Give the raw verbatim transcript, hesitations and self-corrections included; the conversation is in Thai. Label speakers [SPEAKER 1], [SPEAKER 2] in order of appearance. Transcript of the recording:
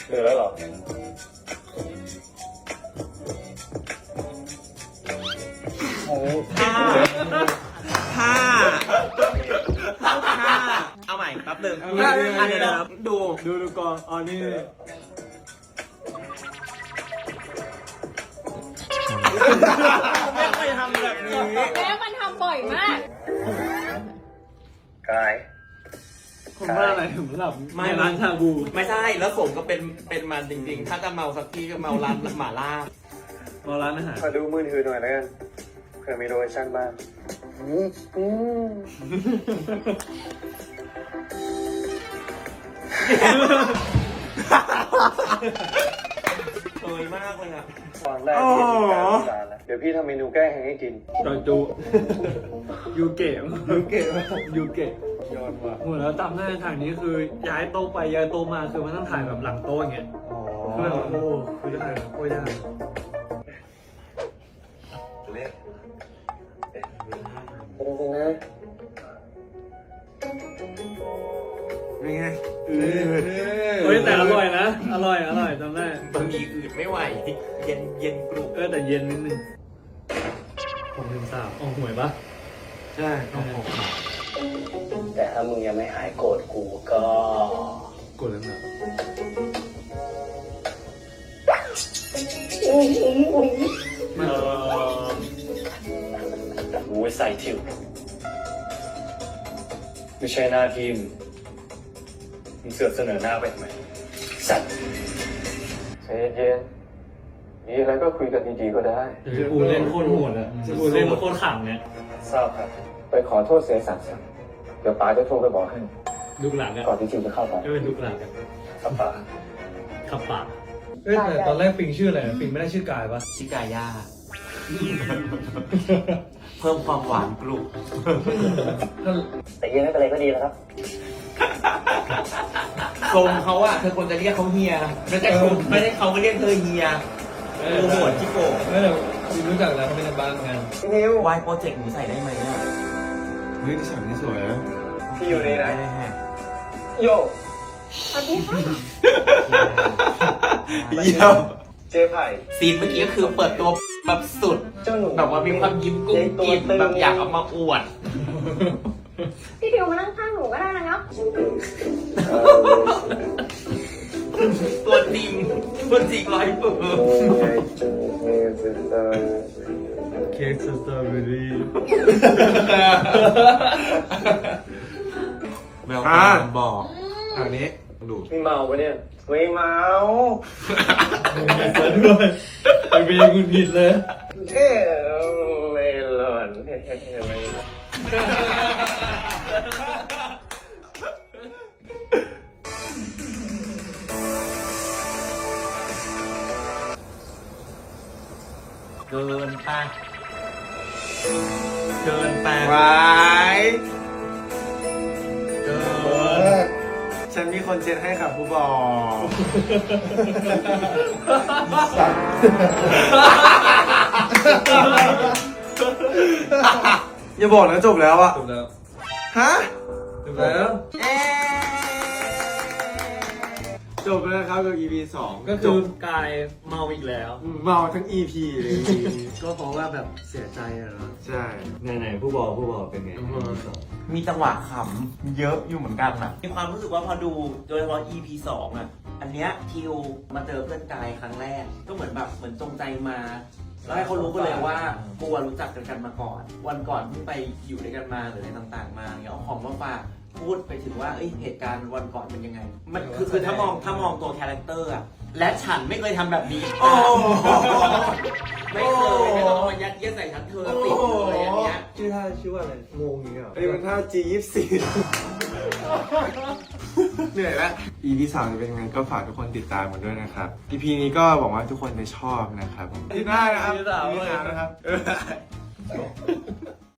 [SPEAKER 1] เหนื่อยแล้วเหรอโอ้
[SPEAKER 2] ห้าห้าห้าเอาใหม่แป๊บหนึ่งอันนี้นะดู
[SPEAKER 3] ดูดูก่อนอ๋อนี่
[SPEAKER 2] ไม่เคยทำแบบนี้
[SPEAKER 4] แม่มันทำบ่อยมาก
[SPEAKER 1] กาย
[SPEAKER 3] ผมว่าอะไรถึงหลับไม่ร้านชาบู
[SPEAKER 2] ไม่ใช่แล้วผมก็เป็นเป็นมันจริงๆ ถ้าจะเมาสักทีก็เมาร้านหม่าล่า
[SPEAKER 3] มาร้านอาหาร
[SPEAKER 1] มาดูมือถือหน่อยแล้วกันเผื่อมีโลเคชั่นบ้างอืมอืม
[SPEAKER 2] เคยมากเลยอ่ะ
[SPEAKER 1] ตอนแรกที่มีการจานแล้วเดี๋ยวพี่ทำเมนูแก้แห้งให้กิน
[SPEAKER 3] จอยจูยูเกะยูเกะยูเกะ
[SPEAKER 1] ยอดว่ะ
[SPEAKER 3] โหแล้วจำได้ทางนี้คือย้ายโต๊ะไปย้ายโต๊ะมาคือมันต้องถ่ายแบบหลังโต๊ะอย่างเงี้ยคือแบบโอ้คือได้โอ้ยได้
[SPEAKER 1] เละจริงๆนะ
[SPEAKER 2] เป็นไง
[SPEAKER 3] เฮ้ยแต่อร่อยนะอร่อยอร่อยจำได้
[SPEAKER 2] บะหมี่อืดไม่ไหวเย็นเย็นกรุบ
[SPEAKER 3] เออแต่เย็นนิดนึงผมลืมสามออกหวยปะ
[SPEAKER 2] ใช่โอ้โห
[SPEAKER 1] แต่ถ้ามึงยังไม่หายโกรธกูก็
[SPEAKER 3] กดแล้วนะ
[SPEAKER 1] เออกูไว้ใส่ทิวไม่ใช่หน้าที่มึงมึงเสือกเสนอหน้าไปทำไมสัตว์ใจเย็นๆมีอะไรก็คุยกันดีๆก็ได้
[SPEAKER 3] กูเล่นโคตรโหดอะกูเล่นโคตรขำเนี่ย
[SPEAKER 1] ทราบครับ ไปขอโทษเสียสัตว์ซะเดี๋ยวป๋าจะโทรไปบอกให้
[SPEAKER 3] ดุกหลังอะ
[SPEAKER 1] ก่อนที่จิวจะเข้าไป
[SPEAKER 3] ไม่เป็นดุกหลังอะ
[SPEAKER 1] ครับป๋า
[SPEAKER 3] ขับปากเอ้ยแต่ตอนแรกปิงชื่ออะไรปิงไม่ได้ชื่อกายปะ
[SPEAKER 2] ชิกาย่าเพิ่มความหวานกรุบ
[SPEAKER 1] แต่เย็นไม่เป็นไรก็ดีแล้วครับ
[SPEAKER 2] ทรงเขาอะเธอควรจะเรียกเขาเฮียไม่ใช่เขาไม่ใช่เขาก็เรียกเธอเฮียเออหัวจิโก้
[SPEAKER 3] ไม่แต่ปิงรู้จักแล้วเขาเป็นในบ้านงาน
[SPEAKER 1] พี่นิว
[SPEAKER 2] วายโปรเจกต์หนูใส่ได้ไหมเนี่ย
[SPEAKER 3] เฮ้ยที่ฉากนี้สวยนะ
[SPEAKER 1] พี่อยู่นี่นะ
[SPEAKER 2] ได้ฮะ
[SPEAKER 1] โย
[SPEAKER 4] สวัสดีค่ะ
[SPEAKER 2] เยี่ยม
[SPEAKER 1] เจ๊ไผ่
[SPEAKER 2] ซีนเมื่อกี้ก็คือเปิดตัวแบบสุด
[SPEAKER 1] เจ้าหนู
[SPEAKER 2] แบบว่ามีความยิ้มกุ้งกินแบบอยากเอามาอวด
[SPEAKER 4] พี่ทิวมานั่งข้างหนูก็ได้นะเนาะ
[SPEAKER 2] ตัวจริงตัวจริงร้อยเปอร์
[SPEAKER 3] เค้กสตรอเบอรี่
[SPEAKER 2] แววตาบอก
[SPEAKER 3] ทางนี้ดู
[SPEAKER 1] มีเมาปะเนี่ยไม่เมา
[SPEAKER 3] เปิดด้วยไอเบย์คุณผิดเลย
[SPEAKER 1] เอ้ไม่หล่อนไม่
[SPEAKER 2] เกินไปเกินไป
[SPEAKER 5] วาย
[SPEAKER 2] เกิน
[SPEAKER 5] ฉันมีคนเช็ดให้ค่ะผู้บอก อย่าบอกนะจบแล้วอะ
[SPEAKER 3] จบแล้ว
[SPEAKER 5] ฮะ
[SPEAKER 3] จบแล้ว
[SPEAKER 2] เอ๊ะ
[SPEAKER 5] จบแล้วนะครับกับ อี พี สอง
[SPEAKER 3] ก็
[SPEAKER 5] จ
[SPEAKER 3] คือบ กายเมาอีกแล้ว
[SPEAKER 5] เมาทั้ง อี พี เลย
[SPEAKER 3] ก็เพราะว่าแบบเสียใจอะเนาะ
[SPEAKER 5] ใช่
[SPEAKER 3] ไหนๆผู้บอกผู้บอกเป็นไง
[SPEAKER 2] มีจังหวะขำเยอะอยู่เหมือนกันนะมีความรู้สึกว่าพอดูโดยเฉพาะ อี พี สองอ่ะ อันเนี้ยทิวมาเจอเพื่อนกายครั้งแรก ก็เหมือนแบบเหมือนจงใจมา แล้วให้เขารู้กันเลยว่ากูอะรู้จักกันกันมาก่อน วันก่อนเพิ่งไปอยู่ด้วยกันมาหรืออะไรต่างๆ มาเงี้ยเอาของมาฝากพูดไปถึงว่าเอ้ยเหตุการณ์วันก่อนเป็นยังไง มันคือคือถ้ามองถ้ามองตัวคาแรคเตอร์อะและฉันไม่เคยทำแบบนี้โอ้ไม่เคยไม่ต้องเอามายัดเยียดใส่ฉันเธอติดเลยอันเนี้ย
[SPEAKER 5] ชื่อท่าชื่อว่าอะไรงงอย่างเงี้ยเหรอไอ้มันท่า จี ยี่สิบสี่ เหนื่อยละ อี พี สามจะเป็นยังไงก็ฝากทุกคนติดตามกันด้วยนะครับ อี พี นี้ก็หวังว่าทุกคนจะชอบนะครับที่หน้านะครับ
[SPEAKER 3] อี พี สาม
[SPEAKER 5] อี พี สามนะครับ